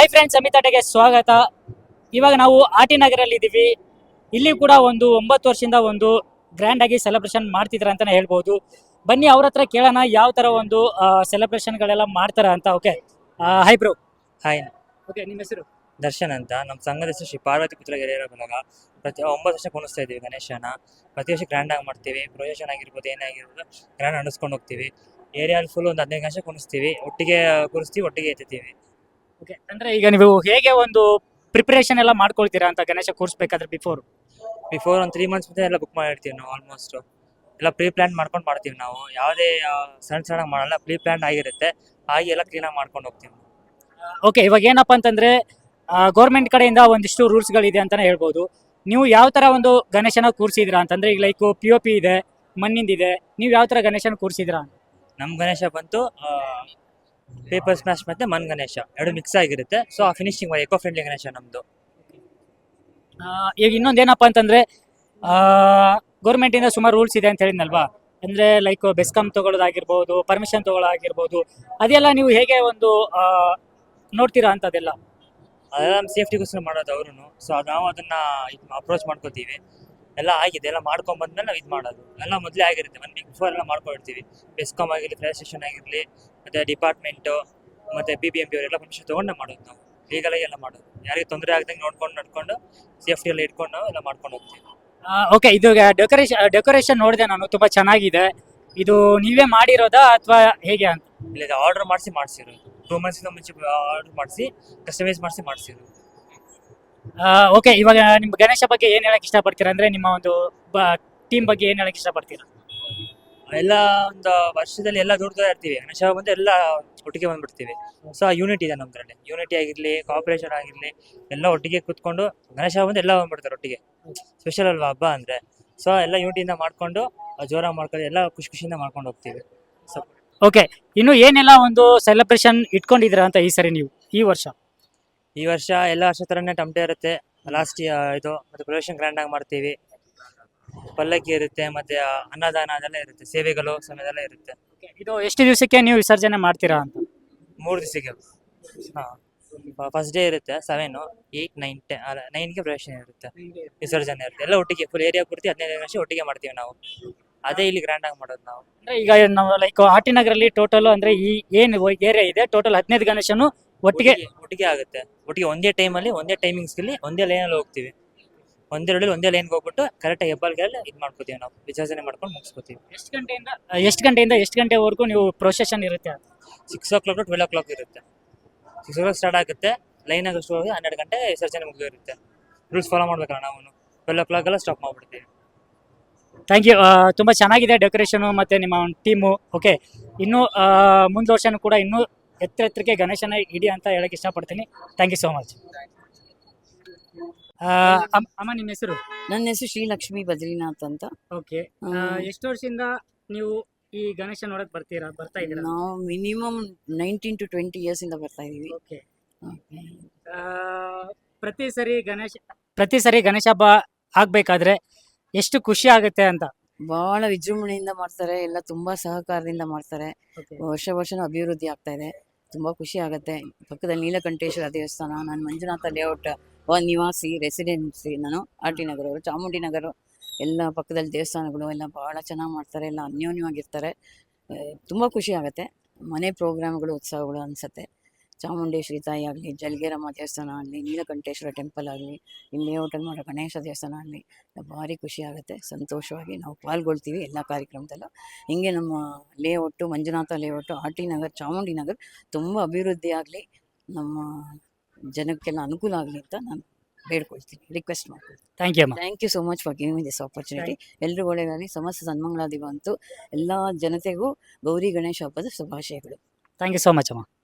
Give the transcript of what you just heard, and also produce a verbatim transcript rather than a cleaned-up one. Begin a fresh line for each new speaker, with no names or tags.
Hi friends, ಅಮಿತಾಟೆಗೆ ಸ್ವಾಗತ. ಇವಾಗ ನಾವು ಆಟಿ ನಗರಲ್ಲಿ ಇದ್ದೀವಿ. ಇಲ್ಲಿ ಕೂಡ ಒಂದು ಒಂಬತ್ತು ವರ್ಷದಿಂದ ಒಂದು ಗ್ರ್ಯಾಂಡ್ ಆಗಿ ಸೆಲೆಬ್ರೇಷನ್ ಮಾಡ್ತಿದ್ರ ಅಂತಾನೆ ಹೇಳ್ಬೋದು. ಬನ್ನಿ ಅವ್ರ ಹತ್ರ ಕೇಳೋಣ ಯಾವ ತರ ಒಂದು ಸೆಲೆಬ್ರೇಷನ್ ಗಳೆಲ್ಲ ಮಾಡ್ತಾರ ಅಂತ. Okay, hi bro.
Hi,
okay, ನಿಮ್ಮ ಹೆಸರು?
ದರ್ಶನ್ ಅಂತ. ನಮ್ಮ ಸಂಘದ ಹೆಸರು ಶ್ರೀ ಪಾರ್ವತಿ ಪುತ್ರ ಗೆರೆಯರ ಬಳಗ. ಪ್ರತಿ ಒಂಬತ್ತು ವರ್ಷ ಕುಣಿಸ್ತಾ ಇದ್ದೀವಿ ಗಣೇಶನ. ಪ್ರತಿ ವರ್ಷ ಗ್ರ್ಯಾಂಡ್ ಆಗಿ ಮಾಡ್ತೀವಿ. ಪ್ರೊಜೆಕ್ಷನ್ ಆಗಿರ್ಬೋದು, ಏನೇ ಆಗಿರ್ಬೋದು ಗ್ರ್ಯಾಂಡ್ ನಡೆಸ್ಕೊಂಡು ಹೋಗ್ತೀವಿ. ಏರಿಯಾದಲ್ಲಿ ಫುಲ್ ಒಂದು ಹದಿನೈದು ಗಣೇಶ ಕುಣಿಸ್ತೀವಿ, ಒಟ್ಟಿಗೆ ಕುಣಿಸ್ತೀವಿ, ಒಟ್ಟಿಗೆ ಎತ್ತೀವಿ.
ಓಕೆ, ಅಂದ್ರೆ ಈಗ ನೀವು ಹೇಗೆ ಒಂದು ಪ್ರಿಪರೇಷನ್ ಎಲ್ಲ ಮಾಡ್ಕೊಳ್ತೀರಾ ಅಂತ ಗಣೇಶ ಕೂರಿಸ್ಬೇಕಾದ್ರೆ ಬಿಫೋರ್?
ಬಿಫೋರ್ ಒಂದು ತ್ರೀ ಮಂತ್ಸ್ ಮುಂದೆ ಎಲ್ಲ ಬುಕ್ ಮಾಡಿರ್ತೀವಿ ನಾವು. ಆಲ್ಮೋಸ್ಟ್ ಎಲ್ಲ ಪ್ರೀ ಪ್ಲಾನ್ ಮಾಡ್ಕೊಂಡು ಮಾಡ್ತೀವಿ ನಾವು. ಯಾವುದೇ ಸಣ್ಣ ಸಣ್ಣ ಮಾಡಲ್ಲ, ಪ್ರೀ ಪ್ಲಾನ್ ಆಗಿರುತ್ತೆ. ಆಗಿ ಎಲ್ಲ ಕ್ಲೀನಾಗಿ ಮಾಡ್ಕೊಂಡು ಹೋಗ್ತೀವಿ.
ಓಕೆ, ಇವಾಗ ಏನಪ್ಪ ಅಂತಂದ್ರೆ ಗೌರ್ಮೆಂಟ್ ಕಡೆಯಿಂದ ಒಂದಿಷ್ಟು ರೂಲ್ಸ್ಗಳಿದೆ ಅಂತಾನೆ ಹೇಳ್ಬೋದು. ನೀವು ಯಾವ ತರ ಒಂದು ಗಣೇಶನ ಕೂರಿಸಿದ್ರಾ ಅಂತಂದ್ರೆ, ಈಗ ಲೈಕ್ ಪಿ ಒ ಪಿ ಇದೆ, ಮಣ್ಣಿಂದಿದೆ, ನೀವು ಯಾವ ತರ ಗಣೇಶನ ಕೂರಿಸಿದ್ರಾ?
ನಮ್ಮ ಗಣೇಶ ಬಂತು ಪೇಪರ್ ಸ್ಮ್ಯಾಶ್ ಮತ್ತೆ ಮಣ್ ಗಣೇಶ ಎರಡು ಮಿಕ್ಸ್ ಆಗಿರುತ್ತೆ. ಸೊ ಆ ಫಿನಿಶಿಂಗ್ ಎಕೋ ಫ್ರೆಂಡ್ಲಿ ಗಣೇಶ ನಮ್ದು.
ಈಗ ಇನ್ನೊಂದೇನಪ್ಪ ಅಂತಂದ್ರೆ ಗೌರ್ಮೆಂಟ್ ಇಂದ ಸುಮಾರು ರೂಲ್ಸ್ ಇದೆ ಅಂತ ಹೇಳಿದ್ನಲ್ವಾ, ಅಂದ್ರೆ ಲೈಕ್ ಬೆಸ್ಕಾಂ ತಗೊಳ್ಳೋದಾಗಿರ್ಬೋದು, ಪರ್ಮಿಷನ್ ತಗೊಳ್ಳೋದಾಗಿರ್ಬೋದು, ಅದೆಲ್ಲ ನೀವು ಹೇಗೆ ಒಂದು ನೋಡ್ತೀರಾ ಅಂತದೆಲ್ಲ?
ಅದೆಲ್ಲ ನಮ್ಮ ಸೇಫ್ಟಿಗೋಸ್ಕರ ಮಾಡೋದು ಅವರು. ಸೊ ನಾವು ಅದನ್ನ ಅಪ್ರೋಚ್ ಮಾಡ್ಕೋತೀವಿ. ಎಲ್ಲ ಆಗಿದೆ, ಎಲ್ಲ ಮಾಡ್ಕೊಂಡ್ ಬಂದ್ಮೇಲೆ ನಾವು ಇದು ಮಾಡೋದು ಎಲ್ಲ ಮೊದಲೇ ಆಗಿರುತ್ತೆ. ಒನ್ ವೀಕ್ ಬಿಫೋರ್ ಎಲ್ಲ ಮಾಡ್ಕೊಂಡಿರ್ತೀವಿ. ಬೆಸ್ಕಾಮ್ ಆಗಿರಲಿ, ಫೈರ್ ಸ್ಟೇಷನ್ ಆಗಿರಲಿ, ಮತ್ತೆ ಡಿಪಾರ್ಟ್ಮೆಂಟು, ಮತ್ತೆ ಬಿ ಬಿ ಎಂ ಪಿ ಅವರೆಲ್ಲ ಪರ್ಮಿಷನ್ ತೊಗೊಂಡು ಮಾಡೋದು. ನಾವು ಲೀಗಲಾಗಿ ಎಲ್ಲ ಮಾಡೋದು. ಯಾರಿಗೆ ತೊಂದರೆ ಆಗದಂಗೆ ನೋಡ್ಕೊಂಡು ನಡ್ಕೊಂಡು ಸೇಫ್ಟಿ ಎಲ್ಲ ಇಟ್ಕೊಂಡು ನಾವು ಎಲ್ಲ ಮಾಡ್ಕೊಂಡು ಹೋಗ್ತೀವಿ.
ಓಕೆ, ಇದು ಡೆಕೋರೇಷನ್ ಡೆಕೋರೇಷನ್ ನೋಡಿದೆ ನಾನು, ತುಂಬಾ ಚೆನ್ನಾಗಿದೆ. ಇದು ನೀವೇ ಮಾಡಿರೋದಾ ಅಥವಾ ಹೇಗೆ ಅಂತ?
ಇಲ್ಲ, ಆರ್ಡರ್ ಮಾಡಿಸಿ ಮಾಡಿಸಿರೋದು. ಟೂ ಮಂತ್ಸಿಂದ ಮುಂಚೆ ಆರ್ಡರ್ ಮಾಡಿಸಿ ಕಸ್ಟಮೈಸ್ ಮಾಡಿಸಿ ಮಾಡಿಸಿರೋದು.
ಓಕೆ, ಇವಾಗ ನಿಮ್ಮ ಗಣೇಶ ಬಗ್ಗೆ ಏನ್ ಹೇಳಕ್ ಇಷ್ಟಪಡ್ತೀರಾ? ಅಂದ್ರೆ ನಿಮ್ಮ ಒಂದು ಟೀಮ್ ಬಗ್ಗೆ ಏನ್ ಹೇಳಕ್ ಇಷ್ಟಪಡ್ತೀರಾ?
ಎಲ್ಲ ಒಂದು ವರ್ಷದಲ್ಲಿ ಎಲ್ಲ ದುಡ್ತಾ ಇರ್ತೀವಿ. ಗಣೇಶ ಬಂದು ಎಲ್ಲ ಒಟ್ಟಿಗೆ ಬಂದ್ಬಿಡ್ತೀವಿ. ಸೊ ಆ ಯೂನಿಟಿ ಇದೆ ನಮ್ದ್ರಲ್ಲಿ. ಯೂನಿಟಿ ಆಗಿರ್ಲಿ, ಕೋಆಪರೇಷನ್ ಆಗಿರ್ಲಿ, ಎಲ್ಲ ಒಟ್ಟಿಗೆ ಕೂತ್ಕೊಂಡು ಗಣೇಶ ಬಂದು ಎಲ್ಲ ಬಂದ್ಬಿಡ್ತಾರೆ ಒಟ್ಟಿಗೆ. ಸ್ಪೆಷಲ್ ಅಲ್ವಾ ಹಬ್ಬ ಅಂದ್ರೆ. ಸೊ ಎಲ್ಲ ಯೂನಿಟಿಯಿಂದ ಮಾಡ್ಕೊಂಡು ಜೋರಾಗಿ ಮಾಡ್ಕೊಂಡು ಎಲ್ಲ ಖುಷಿ ಖುಷಿಯಿಂದ ಮಾಡ್ಕೊಂಡು ಹೋಗ್ತೀವಿ. ಸೊ
ಓಕೆ, ಇನ್ನು ಏನೆಲ್ಲ ಒಂದು ಸೆಲೆಬ್ರೇಷನ್ ಇಟ್ಕೊಂಡಿದ್ದೀರಾ ಅಂತ ಈ ಸರಿ ನೀವು ಈ ವರ್ಷ?
ಈ ವರ್ಷ ಎಲ್ಲ ವರ್ಷ ಥರನೇ ಟಮಟೆ ಇರುತ್ತೆ. ಲಾಸ್ಟ್ ಇದು ಮತ್ತೆ ಪ್ರೊಡಕ್ಷನ್ ಗ್ರ್ಯಾಂಡ್ ಆಗಿ ಮಾಡ್ತೀವಿ. ಪಲ್ಲಕ್ಕಿ ಇರುತ್ತೆ, ಮತ್ತೆ ಅನ್ನದಾನ ಅದೆಲ್ಲ ಇರುತ್ತೆ. ಸೇವೆಗಳು ಸಮಯದೆಲ್ಲ ಇರುತ್ತೆ.
ಇದು ಎಷ್ಟು ದಿವಸಕ್ಕೆ ನೀವು ವಿಸರ್ಜನೆ ಮಾಡ್ತೀರಾ ಅಂತ?
ಮೂರು ದಿವಸಕ್ಕೆ. ಹಾಂ, ಫಸ್ಟ್ ಡೇ ಇರುತ್ತೆ ಸೆವೆನು, ಏಯ್ಟ್, ನೈನ್, ಟೆನ್ ನೈನ್ಗೆ ಪ್ರೊಡಕ್ಷನ್ ಇರುತ್ತೆ, ವಿಸರ್ಜನೆ ಇರುತ್ತೆ. ಎಲ್ಲ ಒಟ್ಟಿಗೆ ಫುಲ್ ಏರಿಯಾ ಪೂರ್ತಿ ಹದಿನೈದು ವರ್ಷ ಒಟ್ಟಿಗೆ ಮಾಡ್ತೀವಿ ನಾವು. ಅದೇ ಇಲ್ಲಿ ಗ್ರ್ಯಾಂಡ್ ಆಗಿ ಮಾಡೋದು ನಾವು.
ಅಂದ್ರೆ ಈಗ ನಾವು ಲೈಕ್ ಆಟಿ ನಗರಲ್ಲಿ ಟೋಟಲ್ ಅಂದ್ರೆ ಈ ಏನು ಏರಿಯಾ ಇದೆ ಟೋಟಲ್ ಹದಿನೈದು ಗಣೇಶನು ಒಟ್ಟಿಗೆ
ಒಟ್ಟಿಗೆ ಆಗುತ್ತೆ. ಒಟ್ಟಿಗೆ ಒಂದೇ ಟೈಮಲ್ಲಿ, ಒಂದೇ ಟೈಮಿಂಗ್ಸ್ಗೆ ಒಂದೇ ಲೈನಲ್ಲಿ ಹೋಗ್ತೀವಿ. ಒಂದೇ ರೋಡಲ್ಲಿ ಒಂದೇ ಲೈನ್ಗೆ ಹೋಗ್ಬಿಟ್ಟು ಕರೆಕ್ಟಾಗಿ ಹೆಬ್ಬಾಳ್ಗೆಲ್ಲ ಇದು ಮಾಡ್ಕೋತೀವಿ ನಾವು. ವಿಸರ್ಜನೆ ಮಾಡ್ಕೊಂಡು ಮುಗಿಸ್ಕೋತೀವಿ.
ಎಷ್ಟು ಗಂಟೆಯಿಂದ ಎಷ್ಟು ಗಂಟೆಯಿಂದ ಎಷ್ಟು ಗಂಟೆವರೆಗೂ ನೀವು ಪ್ರೊಸೆಷನ್ ಇರುತ್ತೆ?
Six o'clock to twelve o'clock ಇರುತ್ತೆ. ಸಿಕ್ಸ್ ಓ ಕ್ಲಾಕ್ ಸ್ಟಾರ್ಟ್ ಆಗುತ್ತೆ. ಲೈನಾಗಿ ಅಷ್ಟು ಹೋಗಿ ಹನ್ನೆರಡು ಗಂಟೆ ವಿಸರ್ಜನೆ ಮುಗಿದಿರುತ್ತೆ. ರೂಲ್ಸ್ ಫಾಲೋ ಮಾಡ್ಬೇಕಲ್ಲ ನಾವು. ಟ್ವೆಲ್ ಓ ಕ್ಲಾಕ್ ಎಲ್ಲ ಸ್ಟಾಪ್ ಮಾಡ್ಬಿಡ್ತೀವಿ.
Thank you. ತುಂಬ ಚೆನ್ನಾಗಿದೆ ಡೆಕೋರೇಷನು ಮತ್ತು ನಿಮ್ಮ ಟೀಮು. ಓಕೆ, ಇನ್ನೂ ಮುಂದೆ ವರ್ಷನೂ ಕೂಡ ಇನ್ನೂ ಎತ್ತರ ಎತ್ತರಕ್ಕೆ ಗಣೇಶನ ಇಡಿ ಅಂತ ಹೇಳಕ್ಕೆ ಇಷ್ಟಪಡ್ತೀನಿ. Thank you so much. ಅಮ್ಮ, ನಿಮ್ಮ ಹೆಸರು?
ನನ್ನ ಹೆಸರು ಶ್ರೀಲಕ್ಷ್ಮಿ ಬದ್ರಿನಾಥ್ ಅಂತ.
ಓಕೆ, ಎಷ್ಟು ವರ್ಷದಿಂದ ನೀವು ಈ ಗಣೇಶ ನೋಡಕ್ ಬರ್ತೀರಾ ಬರ್ತಾ ಇದ್ದೀರಾ?
ನಾವು minimum nineteen to twenty years ಇಂದ ಬರ್ತಾ ಇದೀವಿ.
ಓಕೆ, ಪ್ರತಿ ಸರಿ ಗಣೇಶ ಪ್ರತಿ ಸರಿ ಗಣೇಶ ಹಬ್ಬ ಆಗ್ಬೇಕಾದ್ರೆ ಎಷ್ಟು ಖುಷಿ ಆಗುತ್ತೆ ಅಂತ?
ಬಹಳ ವಿಜೃಂಭಣೆಯಿಂದ ಮಾಡ್ತಾರೆ. ಎಲ್ಲ ತುಂಬಾ ಸಹಕಾರದಿಂದ ಮಾಡ್ತಾರೆ. ವರ್ಷ ವರ್ಷನೂ ಅಭಿವೃದ್ಧಿ ಆಗ್ತಾ ಇದೆ. ತುಂಬಾ ಖುಷಿ ಆಗುತ್ತೆ. ಪಕ್ಕದಲ್ಲಿ ನೀಲಕಂಠೇಶ್ವರ ದೇವಸ್ಥಾನ. ನಾನು ಮಂಜುನಾಥ ಲೇಔಟ್ ನಿವಾಸಿ, ರೆಸಿಡೆನ್ಸಿ. ನಾನು ಆರ್ ಟಿ ನಗರ ಅವರು, ಚಾಮುಂಡಿ ನಗರ ಎಲ್ಲ ಪಕ್ಕದಲ್ಲಿ ದೇವಸ್ಥಾನಗಳು ಎಲ್ಲ ಬಹಳ ಚೆನ್ನಾಗಿ ಮಾಡ್ತಾರೆ. ಎಲ್ಲ ಅನ್ಯೋನ್ಯವಾಗಿರ್ತಾರೆ. ತುಂಬ ಖುಷಿ ಆಗುತ್ತೆ. ಮನೆ ಪ್ರೋಗ್ರಾಮ್ಗಳು, ಉತ್ಸವಗಳು ಅನಿಸುತ್ತೆ. ಚಾಮುಂಡೇಶ್ವರಿ ತಾಯಿ ಆಗಲಿ, ಜಲಗೇರಮ್ಮ ದೇವಸ್ಥಾನ ಆಗಲಿ, ನೀಲಕಂಠೇಶ್ವರ ಟೆಂಪಲ್ ಆಗಲಿ, ಇಲ್ಲಿ ಲೇಔಟಲ್ಲಿ ಮಾಡೋ ಗಣೇಶ ದೇವಸ್ಥಾನ ಆಗಲಿ, ಭಾರಿ ಖುಷಿ ಆಗುತ್ತೆ. ಸಂತೋಷವಾಗಿ ನಾವು ಪಾಲ್ಗೊಳ್ತೀವಿ ಎಲ್ಲ ಕಾರ್ಯಕ್ರಮದಲ್ಲೂ. ಹಿಂಗೆ ನಮ್ಮ layout, Manjunatha layout, R T Nagar, Chamundi Nagar ತುಂಬ ಅಭಿವೃದ್ಧಿ ಆಗಲಿ, ನಮ್ಮ ಜನಕ್ಕೆಲ್ಲ ಅನುಕೂಲ ಆಗಲಿ ಅಂತ ನಾನು ಬೇಡ್ಕೊಳ್ತೀನಿ, ರಿಕ್ವೆಸ್ಟ್ ಮಾಡ್ತೀನಿ.
Thank you.
Thank you so much for giving this opportunity. ಎಲ್ಲರೂ ಒಳ್ಳೆಯದಾಗಲಿ, ಸಮಸ್ತ ಸನ್ಮಂಗಳಾದಿ ಬಂತು. ಎಲ್ಲ ಜನತೆಗೂ ಗೌರಿ ಗಣೇಶ ಹಬ್ಬದ ಶುಭಾಶಯಗಳು.
ಥ್ಯಾಂಕ್ ಯು ಸೋ ಮಚ್ ಅಮ್ಮ.